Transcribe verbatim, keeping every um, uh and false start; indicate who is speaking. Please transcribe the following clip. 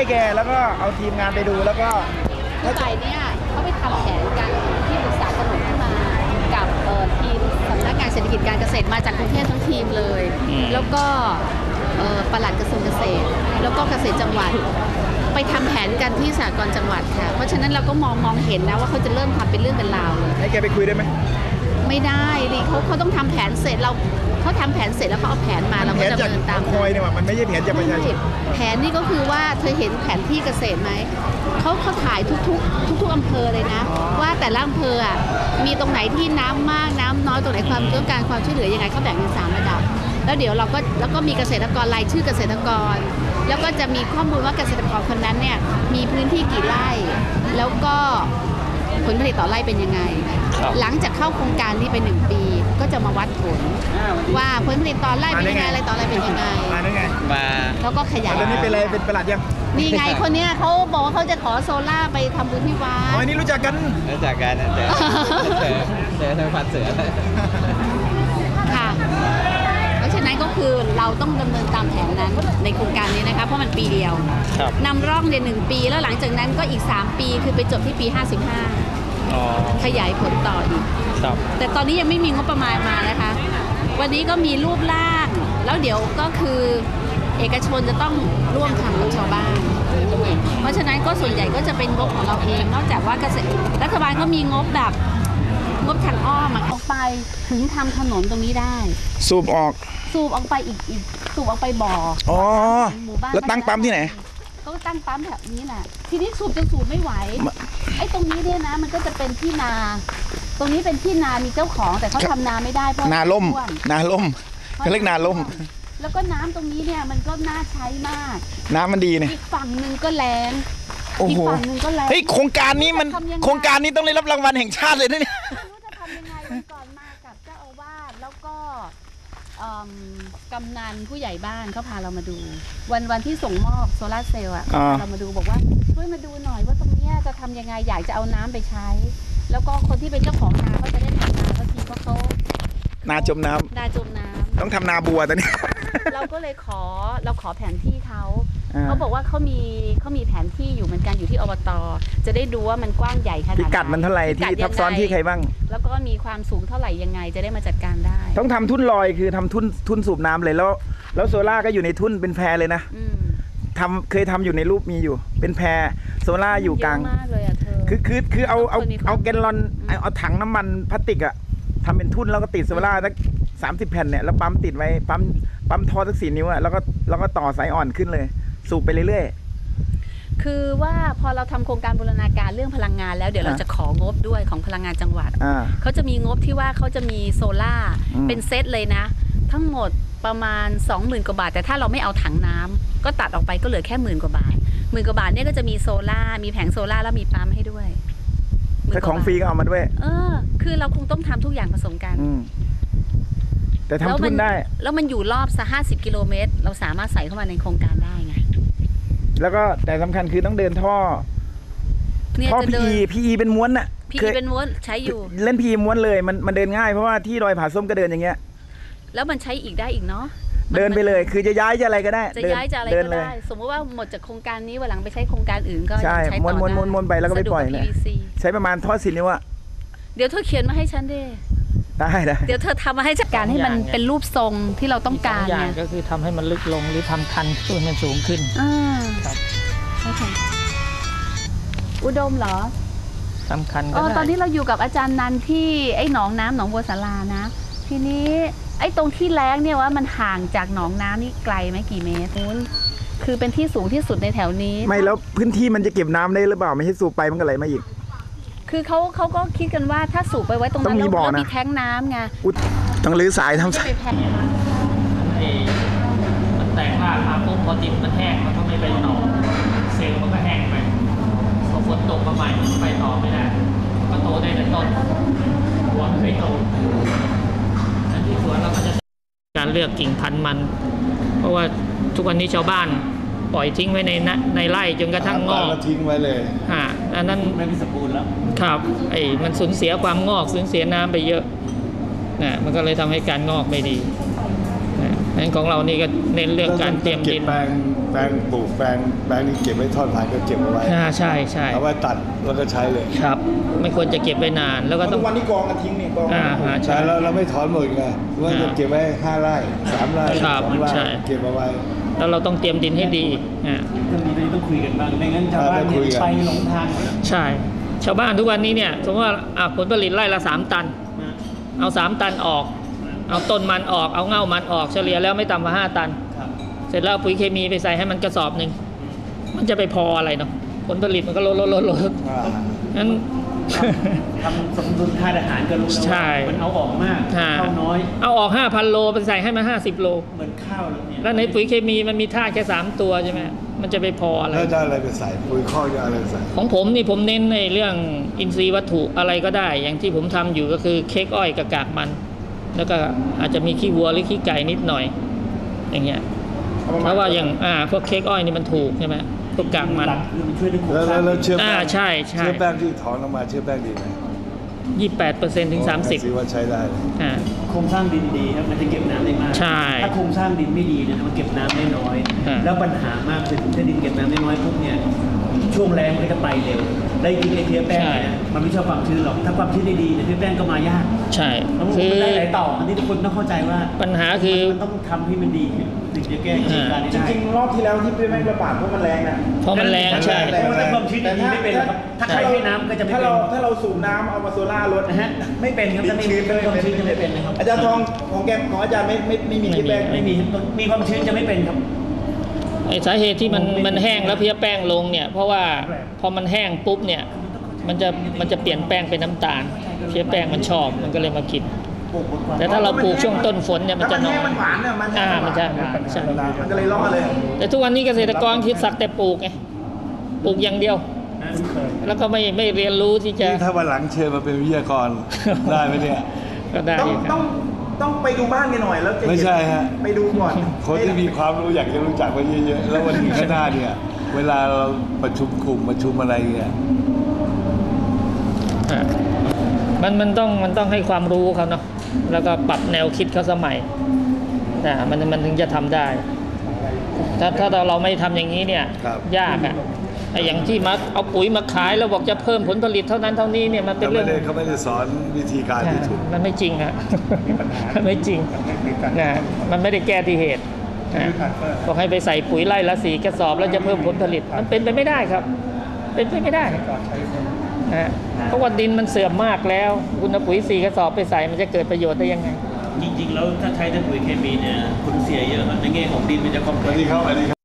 Speaker 1: แกแล้วก็เอาทีมงานไปดูแล้วก็
Speaker 2: คือฝ่ายเนี่ยเขาไปทำแผนกันที่ปรึกษาถนนขึ้นมากับทีมสำนักงานเศรษฐกิจการเกษตรมาจากกรุงเทพทั้งทีมเลยแล้วก็ปลัดกระทรวงเกษตรแล้วก็เกษตรจังหวัดไปทำแผนกันที่สหกรณ์จังหวัดค่ะเพราะฉะนั้นเราก็มองมองเห็นนะว่าเขาจะเริ่มทำเป็นเรื่องเป็นราวเลย
Speaker 1: ให้แกไปคุยได้ไหม
Speaker 2: ไม่ได้ดิเขาเขาต้องทำแผนเสร็จเราเขาทำแผนเสร็จแล้วเขาเอาแผนมาเราก็จะเดินตาม
Speaker 1: คอยเนี่ยมันไม่ใช่แผนจากประชาชน
Speaker 2: แผนนี่ก็คือว่าเธอเห็นแผนที่เกษตรไหมเขาเขาถ่ายทุกๆทุกๆอำเภอเลยนะว่าแต่ละอำเภออ่ะมีตรงไหนที่น้ำมากน้ำน้อยตรงไหนความต้องการความช่วยเหลือยังไงเขาแบ่งเป็นสามระดับแล้วเดี๋ยวเราก็แล้วก็มีเกษตรกรรายชื่อเกษตรกรแล้วก็จะมีข้อมูลว่าเกษตรกรคนนั้นเนี่ยมีพื้นที่กี่ไร่แล้วก็ผลผลิตต่อไร่เป็นยังไงหลังจากเข้าโครงการนี้ไปหนึ่งปีก็จะมาวัดผลว่าผลผลิตต่อไร่เป็นยังไงอะไรต่อไร่เป็นยังไง
Speaker 1: มา
Speaker 2: แล้วก็ขยาย
Speaker 1: แล้วนี่เป็นอะไรเป็นประหลัดยัง
Speaker 2: นี่ไงคนเนี้ยเขาบอกว่าเขาจะขอโซล่าไปทำบุญที่วัด
Speaker 1: อ๋อนี่รู้จักกัน
Speaker 3: รู้จักกันเจอเจอเจอทางผัดเสือ
Speaker 2: ค่ะเพราะฉะนั้นก็คือเราต้องดำเนินตามแผนนั้นในโครงการนี้นะคะเพราะมันปีเดียวนำร่องเรียนหนึ่งปีแล้วหลังจากนั้นก็อีกสามปีคือไปจบที่ปีห้าสิบห้าขยายผลต่ออีกแต่ตอนนี้ยังไม่มีงบประมาณมานะคะวันนี้ก็มีรูปร่างแล้วเดี๋ยวก็คือเอกชนจะต้องร่วมทำกับชาวบ้านเพราะฉะนั้นก็ส่วนใหญ่ก็จะเป็นงบของเราเองนอกจากว่าเกษตรรัฐบาลก็มีงบแบบงบทางอ้อมออกไปถึงทำถนนตรงนี้ได้
Speaker 1: สูบออก
Speaker 2: สูบออกไปอีกอีกสูบออกไปบ่อ
Speaker 1: อ๋อแล้วตั้งปั๊มที่ไหน
Speaker 2: ก็ตั้งปั๊มแบบนี้แหละทีนี้สูบจนสูบไม่ไหวไอ้ตรงนี้เนี่ยนะมันก็จะเป็นที่นาตรงนี้เป็นที่นามีเจ้าของแต่เขาทำนาไม่ได้เพราะ
Speaker 1: นาล่มนาล่มเขาเรียกนาล่ม
Speaker 2: แล้วก็น้ำตรงนี้เนี่ยมันก็น่าใช้มาก
Speaker 1: น้ำมันดีเนี่ย
Speaker 2: อีกฝั่งหนึ่งก็แรง
Speaker 1: อีกฝั่งหนึ่งก็แรงเฮ้ยโครงการนี้มันโครงการนี้ต้องได้รับรางวัลแห่งชาติเลยนะเนี่ย
Speaker 2: ไม่รู้จะทำยังไงวันก่อนมากับเจ้าอาวาสแล้วก็กำนันผู้ใหญ่บ้านเขาพาเรามาดูวันวันที่ส่งมอบโซลาร์เซลล์อ่ะเรามาดูบอกว่าช่วยมาดูหน่อยว่าตรงนี้จะทำยังไงอยากจะเอาน้ำไปใช้แล้วก็คนที่เป็นเจ้าของนาเขาจะได้ทำนาเพราะทีเพราะเขา
Speaker 1: นาจมน้ำ
Speaker 2: นาจมน้ำ
Speaker 1: ต้องทำนาบัวตอนนี้
Speaker 2: เราก็เลยขอเราขอแผนที่เขาเขาบอกว่าเขามีเขามีแผนที่อยู่เหมือนกันอยู่ที่อบต.จะได้ดูว่ามันกว้างใหญ่ขนาดไหน
Speaker 1: พิกัดมันเท่าไหร่ที่ทับซ้อนที่ใครบ้าง
Speaker 2: แล้วก็มีความสูงเท่าไหร่ยังไงจะได้มาจัดการได้
Speaker 1: ต้องทำทุ่นลอยคือทำทุ่นทุ่นสูบน้ำเลยแล้วแล้วโซล่าก็อยู่ในทุ่นเป็นแพเลยนะทำเคยทำอยู่ในรูปมีอยู่เป็นแพโซล่าอยู่กลางคือคือคือเอาเอาเอาแกนลอนเอาถังน้ำมันพลาสติกอะทำเป็นทุ่นแล้วก็ติดโซล่าสักสามสิบแผ่นเนี่ยแล้วปั๊มติดไว้ปั๊มปั๊มท่อสักสี่นิ้วอะแล้วก็แล้วก็ต่อสายอ่อนขึ้นเลยสูบไปเรื่อย
Speaker 2: ๆคือว่าพอเราทำโครงการบูรณาการเรื่องพลังงานแล้วเดี๋ยวเราจะของบด้วยของพลังงานจังหวัดเขาจะมีงบที่ว่าเขาจะมีโซล่าเป็นเซตเลยนะทั้งหมดประมาณ สองหมื่น กว่าบาทแต่ถ้าเราไม่เอาถังน้ำก็ตัดออกไปก็เหลือแค่หมื่นกว่าบาทหมื่นกว่าบาทเนี่ยก็จะมีโซล่ามีแผงโซล่าแล้วมีปั๊มให้ด้วย
Speaker 1: แต่ของฟรีก็เอามาด้วย
Speaker 2: เออคือเราคงต้องทำทุกอย่างผสมกัน
Speaker 1: แต่ทำทุนได้
Speaker 2: แล้วมันอยู่รอบสักห้าสิบกิโลเมตรเราสามารถใส่เข้ามาในโครงการได้ไง
Speaker 1: แล้วก็แต่สำคัญคือต้องเดินท่อท่อพีพีเป็นม้วนน่ะ
Speaker 2: พีเป็นม้วนใช้อยู่
Speaker 1: เล่นพีม้วนเลยมันมันเดินง่ายเพราะว่าที่ดอยผาส้มก็เดินอย่างเงี้ย
Speaker 2: แล้วมันใช้อีกได้อีกเนาะ
Speaker 1: เดินไปเลยคือจะย้ายจะอะไรก็ได้
Speaker 2: จะย้ายจะอะไรก็ได้สมมติว่าหมดจากโครงการนี้วันหลังไปใช้โครงการอื่นก็
Speaker 1: ใช่ม้วนม้วนม้วนม้วนไปแล้วก็ไปปล่อยเลยใช้ประมาณท่อสินิ้วอะ
Speaker 2: เดี๋ยวเธอเขียนมาให้ฉันดิ
Speaker 1: ได้ได้
Speaker 2: เดี๋ยวเธอทำมาให้จัดการให้มันเป็นรูปทรงที่เราต้องการ
Speaker 3: เนี่ยก็คือทำให้มันลึกลงหรือทำคันให้มันสูงขึ้น
Speaker 2: อ่าครับโอเคอุดมเหรอ
Speaker 3: สำคัญก็
Speaker 2: ได้ตอนนี้เราอยู่กับอาจารย์นันที่ไอ้หนองน้ำหนองบัวสารานะทีนี้ไอ้ตรงที่แล้งเนี่ยว่ามันห่างจากหนองน้ำนี่ไกลไหมกี่เมตรคือเป็นที่สูงที่สุดในแถวนี้
Speaker 1: ไม่แล้วพื้นที่มันจะเก็บน้ำได้หรือเปล่าไม่ใช่สูบไปมันก็ไหลมาอีก
Speaker 2: คือเขาเขาก็คิดกันว่าถ้าสูบไปไว้ตรงนั้นแล้วมีแท้งน้ำไง
Speaker 1: ต้องรื้อสายทำสาย
Speaker 3: มันแตกรากมาปุ๊บพอดินมันแห้งมันก็ไม่ไปต่อเซลล์มันก็แห้งไปพอฝนตกมาใหม่ไปต่อไม่ได้ก็โตได้แต่ต้นหัวไม่เคยโตอันที่สวนเราก็จะการเลือกกิ่งพันธุ์มันเพราะว่าทุกวันนี้ชาวบ้านปล่อยทิ้งไว้ในในไร่จนกระทั่งงอก
Speaker 1: ทิ้งไว้เลย
Speaker 3: อ่าอันนั้น
Speaker 1: ไม่สมบูรณ์แล้ว
Speaker 3: ครับไอ้มันสูญเสียความงอกสูญเสียน้ำไปเยอะนะมันก็เลยทำให้การงอกไม่ดีนะงั้นของเรานี่ก็เน้นเรื่องการเตรียมดิน
Speaker 4: แปลงแปลงปลูกแปลงแปลงนี้เก็บไว้ทอดพันธุ์ก็เก็บเอาไว้
Speaker 3: อ่าใช่ใช่
Speaker 4: เอาไว้ตัดแล้วก็ใช้เลย
Speaker 3: ครับ ไม่ควรจะเก็บไว้นาน แล้วก็ต้
Speaker 1: ทุ
Speaker 3: อง
Speaker 1: กวันนี้กองกันทิ้งนี่กอง
Speaker 3: อ่าฮะ
Speaker 4: ใช่แล้วเราไม่ถอนหมดไงว่าจะเก็บไว้ห้าไร่สามไร่
Speaker 3: ครับ
Speaker 4: สองไร่
Speaker 3: ใช่
Speaker 4: เก็บเอาไว้
Speaker 3: แล้วเราต้องเตรียมดินให้ดีอ่า
Speaker 5: เรื่องนี้ต้องคุยกันบ้างไม่งั้นชาวบ้านเนี่ยไปหลงทาง
Speaker 3: ใช่ ชาวบ้านทุกวันนี้เนี่ยสมมติว่าอ่ะผลผลิตไร่ละสามตัน เอาสามตันออก เอาต้นมันออกเอาเง่ามันออกเฉลี่ยแล้วไม่ต่ำกว่าห้าตัน
Speaker 5: ครับ
Speaker 3: เสร็จแล้วเอาปุ๋ยเคมีไปใส่ให้มันกระสอบหนึ่งมันจะไปพออะไรเนาะผลผลิตมันก็ลดลดลดลด
Speaker 4: อ่า
Speaker 3: นั้น
Speaker 5: ทำสมดุลค่าอาหารก็รู้แล้ว
Speaker 3: ใช่
Speaker 5: ว่ามันเอาออกมาก
Speaker 3: อ่า
Speaker 5: เข้าน้อย
Speaker 3: เอาออกห้าพันโลไปใส่ให้มันห้าสิบโล
Speaker 5: เหมือนข้าวเลยเนี่ย
Speaker 3: แล้วในปุ๋ยเคมีมันมีธาตุแค่สามตัวใช่ไหมมันจะไปพออะไร
Speaker 4: แล้วจะเอาอะไรไปใส่ปุ๋ยข้อกจะเอาอะไรไปใส่
Speaker 3: ของผมนี่ผมเน้นในเรื่องอินทรีย์วัตถุอะไรก็ได้ อย่างที่ผมทำอยู่ก็คือเค้กอ้อยกับกากมัน แล้วก็อาจจะมีขี้วัวหรือขี้ไก่นิดหน่อย อย่างเงี้ยเพราะว่าอย่างอ่าพวกเค้กอ้อยนี่มันถูกใช่ไหมพวกกากมัน
Speaker 5: หลักคือมันช่วยในโครง
Speaker 4: แล้ว
Speaker 5: สร้า
Speaker 4: แล้ว
Speaker 5: ง
Speaker 4: แล้วเชื้อแป้
Speaker 3: อ่าง ใช่ใช่
Speaker 4: เชื้อแป้งที่ถอนออกมาเชื้อแป้งดีไหม
Speaker 3: ยี่สิบแปดเปอร์เซ็นต์ถึงสามสิบ
Speaker 4: ถือว่าใช้ได้เลย
Speaker 3: อ่า
Speaker 5: โครงสร้างดินดีครับมันจะเก็บน้ำได้มาก
Speaker 3: ใช่
Speaker 5: ถ้าโครงสร้างดินไม่ดีเนี่ยมันเก็บน้ำได้น้อย
Speaker 3: อ่า
Speaker 5: แล้วปัญหามากคือถ้าดินเก็บน้ำได้น้อยปุ๊บเนี่ยช่วงแรงมันก็จะไปเร็วได้กินไอเทียแป้งเนี่ยมันไม่ชอบความชื้นหรอกถ้าความชื้นดีๆเนี่ยเทียแป้งก็มายาก
Speaker 3: ใช่
Speaker 5: แล้ว
Speaker 3: คือ
Speaker 5: มันได้หลายต่ออันนี้ทุกคนต้องเข้าใจว่า
Speaker 3: ปัญหาคือ
Speaker 5: มันต้องทำให้มันดีถึงจะแก้เหตุการณ์นี้
Speaker 1: จ
Speaker 5: ได้
Speaker 1: ริงๆรอบที่แล้วที่พี่แม่งระบาดเพราะมันแรงนะ
Speaker 3: เพราะมันแรงใช่
Speaker 5: เพราะว่าถ้าความชื้นดีๆไม่เป็นหรอกครับถ้าใครให้น้ำก็จะไม่
Speaker 1: ถ้า
Speaker 5: เป็น
Speaker 1: เราถ้าเราสูบน้ำเอามาโซล่าลด
Speaker 5: นะฮะไม่เป็นครับถ้าไม่มีความชื้นจะไม่เป็นนะครับ
Speaker 1: อาจารย์ทองของแกของอาจารย์ไม่ไม่ไม่มีที่แป้ง
Speaker 5: ไม่มีมีความชื้นจะไม่เป็นครับ
Speaker 3: ไอ้สาเหตุที่มันมันแห้งแล้วเพี้ยแป้งลงเนี่ยเพราะว่าพอมันแห้งปุ๊บเนี่ยมันจะมันจะเปลี่ยนแป้งเป็นน้ำตาลเพี้ยแป้งมันชอบมันก็เลยมากิน แต่ถ้าเราปลูกช่วงต้นฝนเนี่ยมันจะน้อย
Speaker 1: มันหวานเนี่ยมัน
Speaker 3: อ่ามันจะหวานใช่
Speaker 1: มันก็เลยล่อเลย
Speaker 3: แต่ทุกวันนี้เกษตรกรคิดสักแต่ปลูกไงปลูกอย่างเดียว แล้วก็ไม่ไม่เรียนรู้ที่จะ
Speaker 4: นี่ถ้าวันหลังเชิญมาเป็นวิทยากร ได้ไหมเนี่ย
Speaker 3: ก็ได้
Speaker 1: ต้อง
Speaker 3: ครั
Speaker 1: ต้อบ งต้องไปดูบ้านกันหน่อยแล้วจะเห็น
Speaker 4: ไม่ใช่ฮะ
Speaker 1: ไปดูก่อน
Speaker 4: คนที่มีความรู้อยากจะรู้จักไว้เยอะๆ แล้ววันนี้ข้างหน้าเนี่ย เวลาเราประชุมกลุ่มประชุมอะไรเนี่ย
Speaker 3: อ่ามันมันต้องมันต้องให้ความรู้เขาเนาะแล้วก็ปรับแนวคิดเขาสมัยอ่ามันมันถึงจะทำได้ ถ้าถ้าเราเราไม่ทำอย่างนี้เนี่ย
Speaker 4: ครับ
Speaker 3: ยากอ่ะไอ้อย่างที่มาเอาปุ๋ยมาขายแล้วบอกจะเพิ่มผลผลิตเท่านั้นเท่านี้เนี่ยมันเป็น
Speaker 4: เขา
Speaker 3: เรื่
Speaker 4: ไม่
Speaker 3: อง
Speaker 4: ได้เขาไม่ได้สอนวิธีการที่ถูก
Speaker 3: มันไม่จริงอะมันไม่จริงนะมันไม่ได้แก้ที่เหตุนะบอกให้ไปใส่ปุ๋ยไร่ละสีกระสอบแล้วจะเพิ่มผลผลิต มันเป็นไปไม่ได้ครับ เป็นไปไม่ได้นะเพราะว่าดินมันเสื่อมมากแล้ว คุณเอาปุ๋ยสีกระสอบไปใส่มันจะเกิดประโยชน์ได้ยังไง
Speaker 5: จริงๆแล้วถ้าใช้แต่ปุ๋ยเคมีเนี่ยคุณเสียเยอะครับในแง่ของดินมันจะคอมเพ
Speaker 4: ส
Speaker 5: ล็
Speaker 4: วั
Speaker 5: ก
Speaker 4: ส
Speaker 5: ซ์
Speaker 4: ดีครับสวัสดีครับ